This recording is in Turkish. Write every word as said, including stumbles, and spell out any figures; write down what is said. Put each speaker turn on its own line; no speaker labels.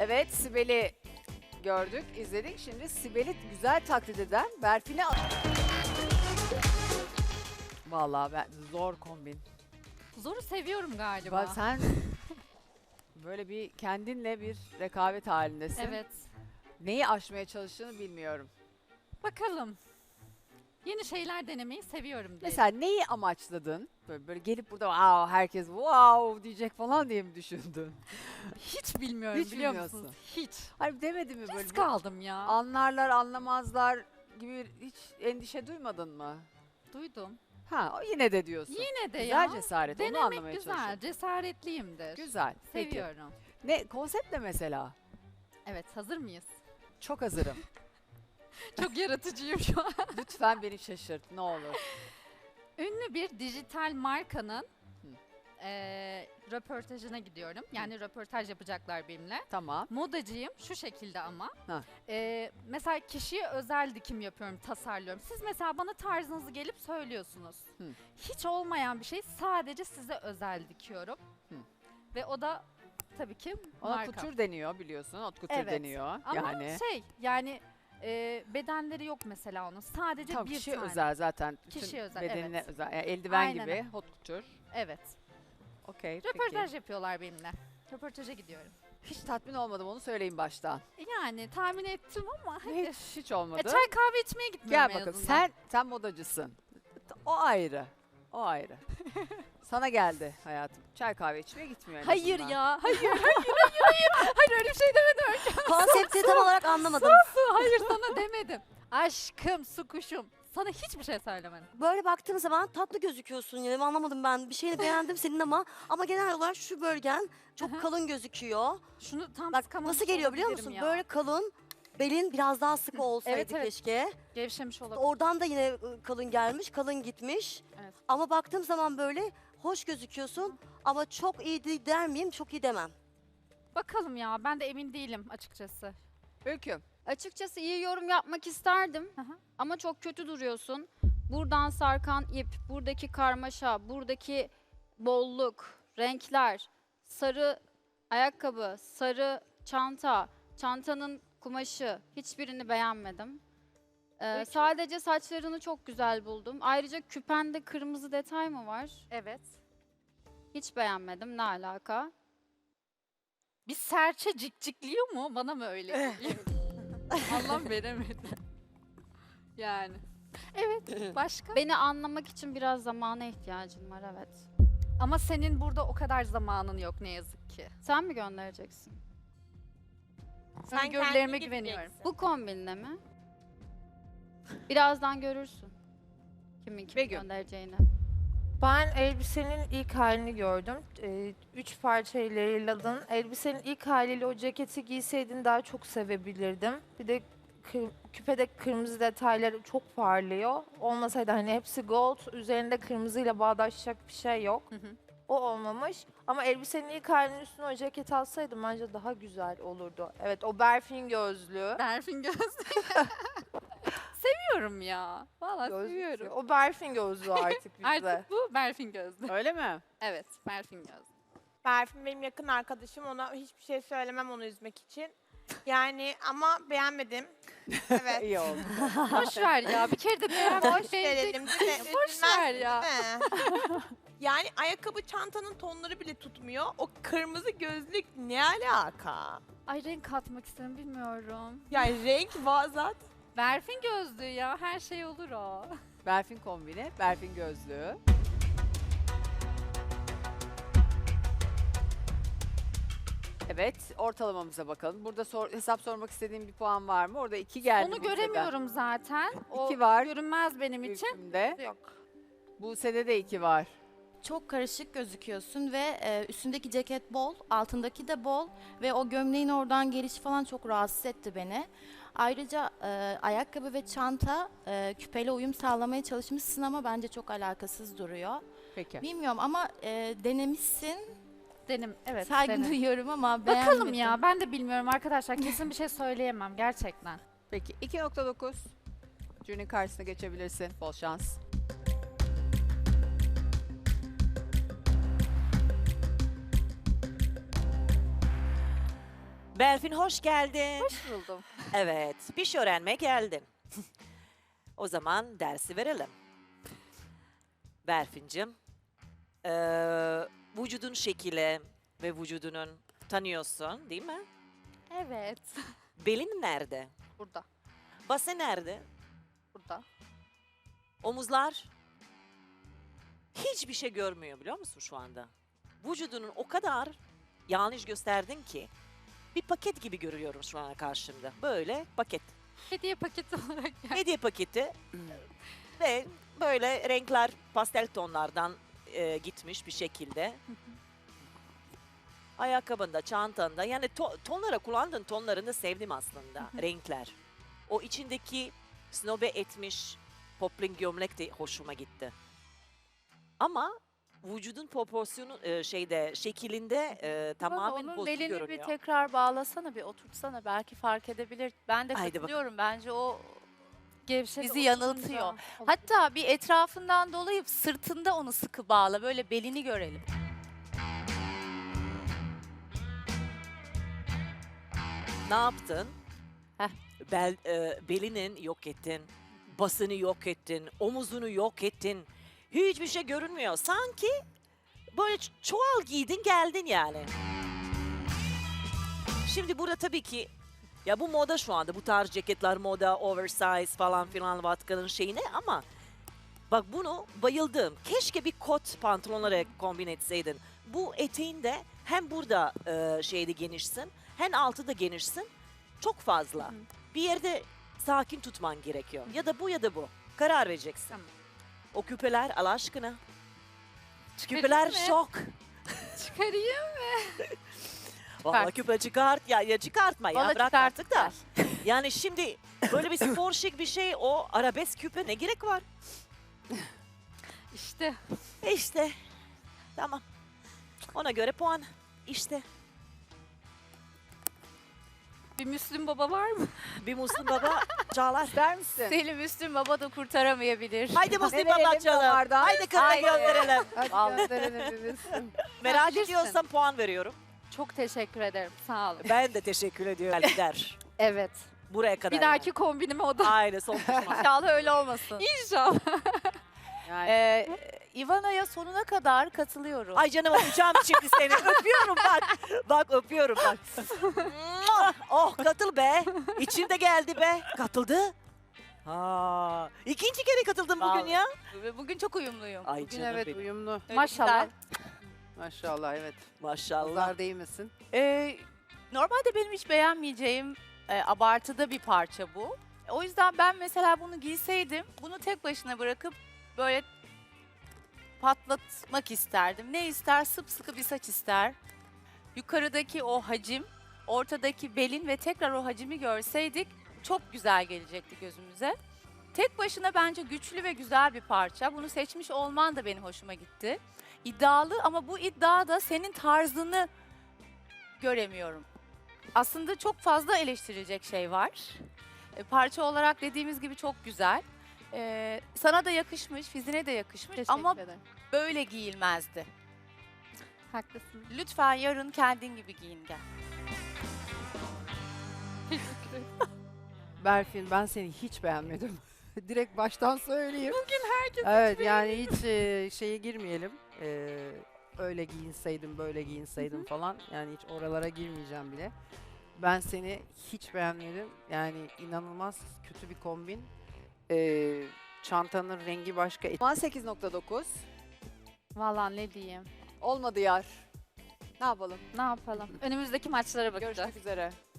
Evet, Sibel'i gördük, izledik. Şimdi Sibel'i güzel taklit eden Berfin'e... Vallahi ben zor kombin.
Zoru seviyorum galiba.
Bak sen böyle bir kendinle bir rekabet halindesin.
Evet.
Neyi aşmaya çalıştığını bilmiyorum.
Bakalım. Yeni şeyler denemeyi seviyorum diye.
Mesela neyi amaçladın? Böyle, böyle gelip burada wow, herkes wow diyecek falan diye mi düşündün?
hiç bilmiyorum
Hiç
biliyor
bilmiyorsun.
musunuz? Hiç.
Hayır demedi mi böyle?
Risk
bir
aldım ya.
Anlarlar anlamazlar gibi hiç endişe duymadın mı?
Duydum.
Ha o yine de diyorsun.
Yine de
Güzel
ya.
cesaret onu
Denemek
anlamaya
güzel.
çalışıyorum.
Cesaretliyimdir.
Güzel. Peki.
Seviyorum.
Ne konsept ne mesela?
Evet, hazır mıyız?
Çok hazırım.
Çok yaratıcıyım şu an.
Lütfen beni şaşırt ne olur.
Ünlü bir dijital markanın
Hı.
eee, röportajına gidiyorum. Yani röportaj yapacaklar benimle.
Tamam.
Modacıyım şu şekilde ama.
Ha.
Eee, mesela kişiye özel dikim yapıyorum, tasarlıyorum. Siz mesela bana tarzınızı gelip söylüyorsunuz.
Hı.
Hiç olmayan bir şey sadece size özel dikiyorum.
Hı.
Ve o da tabii ki
Ona
marka.
kutur deniyor biliyorsun. Ot kutur
Evet.
deniyor.
Ama
yani
şey yani eee, bedenleri yok mesela onun. Sadece
tam
bir
kişi
tane.
özel zaten. Bütün
Kişiye özel,
bedenine
evet.
özel. Yani eldiven
Aynen
gibi
öyle.
hot kutur.
Evet.
Okey.
Röportaj
peki.
yapıyorlar benimle. Röportaja gidiyorum.
Hiç tatmin olmadım onu söyleyeyim baştan.
Yani tahmin ettim ama hadi.
Hiç hiç olmadı.
E, çay kahve içmeye gitmiyorum
Gel
en
bakalım.
azından.
Sen sen modacısın. O ayrı. O ayrı. Sana geldi hayatım. Çay kahve içmeye gitmiyor en
Hayır
azından.
ya. Hayır, hayır, hayır, hayır. Hayır öyle bir şey demedim.
Konsepti tam olarak anlamadım.
Su, hayır sana demedim. Aşkım, su kuşum. Sana hiçbir şey söylemedim.
Böyle baktığım zaman tatlı gözüküyorsun yani anlamadım ben. Bir şeyini beğendim senin ama ama genel olarak şu bölgen
Aha.
çok kalın gözüküyor.
Şunu tam
Bak
sıkamamış
nasıl geliyor biliyor
olabilirim
musun?
ya.
Böyle kalın, belin biraz daha sıkı olsaydı
Evet, evet.
keşke.
Gevşemiş olabilir.
Oradan da yine ı, kalın gelmiş, kalın gitmiş.
Evet.
Ama baktığım zaman böyle hoş gözüküyorsun ama çok iyi de- der miyim? Çok iyi demem.
Bakalım ya ben de emin değilim açıkçası.
Öykü.
Açıkçası iyi yorum yapmak isterdim
Hı hı.
ama çok kötü duruyorsun. Buradan sarkan ip, buradaki karmaşa, buradaki bolluk, renkler, sarı ayakkabı, sarı çanta, çantanın kumaşı hiçbirini beğenmedim. Ee,
Peki.
sadece saçlarını çok güzel buldum. Ayrıca küpende kırmızı detay mı var?
Evet.
Hiç beğenmedim. Ne alaka?
Bir serçe cikcikliyor mu? Bana mı öyle geliyor? Allah veremedi. Yani. Evet. Başka?
Beni anlamak için biraz zamana ihtiyacım var, evet.
Ama senin burada o kadar zamanın yok ne yazık ki.
Sen mi göndereceksin?
Sen Öngörülerime güveniyorum.
Bu kombinle mi? Birazdan görürsün. Kimin kimi
Begüm.
göndereceğini.
Ben elbisenin ilk halini gördüm. Ee, üç parçayla yayınladın. Elbisenin ilk haliyle o ceketi giyseydin daha çok sevebilirdim. Bir de kı- küpede kırmızı detayları çok parlıyor. Olmasaydı hani hepsi gold, üzerinde kırmızıyla bağdaşacak bir şey yok.
Hı hı.
O olmamış. Ama elbisenin ilk halinin üstüne o ceket alsaydım bence daha güzel olurdu. Evet, o berfin gözlü.
Berfin gözlü. Seviyorum ya. Vallahi
Gözlük.
seviyorum.
O berfin gözlü artık bizde.
Artık bu Berfin gözlü.
Öyle mi?
Evet, Berfin gözlü.
Berfin benim yakın arkadaşım. Ona hiçbir şey söylemem onu üzmek için. Yani ama beğenmedim. Evet.
İyi oldu.
Boş ver ya. Bir kere de beğenmek
Boş verelim. değil mi?
Boş ver ya.
Üzülmezsin, değil mi? Yani ayakkabı çantanın tonları bile tutmuyor. O kırmızı gözlük ne alaka?
Ay renk katmak istedim bilmiyorum.
Yani renk var zaten.
Berfin gözlü ya. Her şey olur o.
Berfin kombini, Berfin gözlüğü. Evet, ortalamamıza bakalım. Burada sor- hesap sormak istediğim bir puan var mı? Orada iki geldi.
Onu
Buse'den.
göremiyorum zaten. O
İki var.
görünmez benim için.
Ülkümde.
Yok.
Buse'de de iki var.
Çok karışık gözüküyorsun ve e, üstündeki ceket bol, altındaki de bol ve o gömleğin oradan gelişi falan çok rahatsız etti beni. Ayrıca e, ayakkabı ve çanta e, küpeyle uyum sağlamaya çalışmışsın ama bence çok alakasız duruyor.
Peki.
Bilmiyorum ama e, denemişsin.
Denim. Evet.
Saygı
denim.
duyuyorum ama beğenmedim.
Bakalım ya. Ben de bilmiyorum arkadaşlar. Kesin bir şey söyleyemem gerçekten.
Peki iki nokta dokuz. Jüri'nin karşısına geçebilirsin. Bol şans.
Berfin hoş geldin.
Hoş buldum.
Evet, bir şey öğrenmeye geldin. O zaman dersi verelim. Berfin'cim, eee vücudun şekli ve vücudunun tanıyorsun değil mi?
Evet.
Belin nerede?
Burada.
Basen nerede?
Burada.
Omuzlar hiçbir şey görmüyor biliyor musun şu anda? Vücudunun o kadar yanlış gösterdin ki bir paket gibi görüyorum şu an karşımda. Böyle paket.
Hediye paketi olarak geldi.
Hediye paketi ve böyle renkler pastel tonlardan e, gitmiş bir şekilde. Ayakkabında, çantanda yani to- tonlara kullandığın tonlarını da sevdim aslında renkler. O içindeki snobe etmiş poplin gömlek de hoşuma gitti. Ama vücudun proporsiyonu e, şeyde şekilinde e, tamamen
Onun
bozuk
belini
görünüyor.
bir tekrar bağlasana, bir oturtsana. Belki fark edebilir. Ben de
Haydi
katılıyorum. Bence o
Gevşek
bizi
olunca
yanıltıyor.
olur.
Hatta bir etrafından dolayıp sırtında onu sıkı bağla. Böyle belini görelim.
Ne yaptın?
Heh.
Bel, e, belinin yok ettin, basını yok ettin, omuzunu yok ettin. Hiçbir şey görünmüyor. Sanki böyle ç- çuval giydin geldin yani. Şimdi burada tabii ki ya bu moda şu anda. Bu tarz ceketler moda, oversize falan filan vatkanın şeyine ama bak bunu bayıldım. Keşke bir kot pantolonlara kombin etseydin. Bu eteğinde hem burada e, şeyde genişsin hem altı da genişsin. Çok fazla. Bir yerde sakin tutman gerekiyor. Ya da bu ya da bu. Karar vereceksin.
Tamam.
O küpeler Allah aşkına.
Çıkarayım
Küpeler
mı?
şok.
Çıkarayım.
Vallahi
Çıkart.
küpe çıkart ya, ya çıkartma ya
Valla
bırak
çıkart,
artık da. Yani şimdi böyle bir spor şık bir şey o arabesk küpe ne gerek var?
İşte.
E işte tamam. Ona göre puan işte.
Bir Müslüm Baba var mı?
Bir Müslüm Baba Çağlar.
İster misin?
Selim Müslüm Baba da kurtaramayabilir.
Haydi Müslüm
verelim
Baba çalalım.
damardan?
Haydi kızla
Haydi.
gönderelim.
Hadi gönderelim bir Müslüm.
Merak
Bilirsin.
ediyorsan puan veriyorum.
Çok teşekkür ederim. Sağ olun.
Ben de teşekkür ediyorum. Der.
Evet.
Buraya kadar.
Bir dahaki kombinime o da.
Aynen son pişman.
İnşallah öyle olmasın.
İnşallah.
Yani
Ee, Ivana'ya sonuna kadar katılıyorum.
Ay canım öpeceğim şimdi seni. Öpüyorum bak. Bak öpüyorum bak. Mua! Oh katıl be. İçimde geldi be. Katıldı. Ha, ikinci kere katıldım bugün
Vallahi.
ya.
Bugün çok uyumluyum.
Ay
bugün
canım
evet
benim.
uyumlu.
Öyle
Maşallah.
güzel.
Maşallah evet.
Maşallah.
Nazar değmesin.
Ee, normalde benim hiç beğenmeyeceğim e, abartıda bir parça bu. O yüzden ben mesela bunu giyseydim, bunu tek başına bırakıp böyle patlatmak isterdim. Ne ister? Sıpsıkı bir saç ister. Yukarıdaki o hacim, ortadaki belin ve tekrar o hacimi görseydik çok güzel gelecekti gözümüze. Tek başına bence güçlü ve güzel bir parça. Bunu seçmiş olman da benim hoşuma gitti. İddialı ama bu iddiada senin tarzını göremiyorum. Aslında çok fazla eleştirilecek şey var. E, parça olarak dediğimiz gibi çok güzel. E, sana da yakışmış, fizine de yakışmış
Teşekkür
ama
ederim.
böyle giyilmezdi.
Haklısın.
Lütfen yarın kendin gibi giyin gel.
Berfin ben seni hiç beğenmedim. Direkt baştan söyleyeyim. Bugün herkes Evet yani hiç e, şeye girmeyelim. E, öyle giyinseydim böyle giyinseydim falan. Yani hiç oralara girmeyeceğim bile. Ben seni hiç beğenmedim. Yani inanılmaz kötü bir kombin. E, çantanın rengi başka. on sekiz nokta dokuz.
Vallahi ne diyeyim.
Olmadı yar. Ne yapalım?
Ne yapalım? Önümüzdeki maçlara bakacağız.
Görüşmek üzere.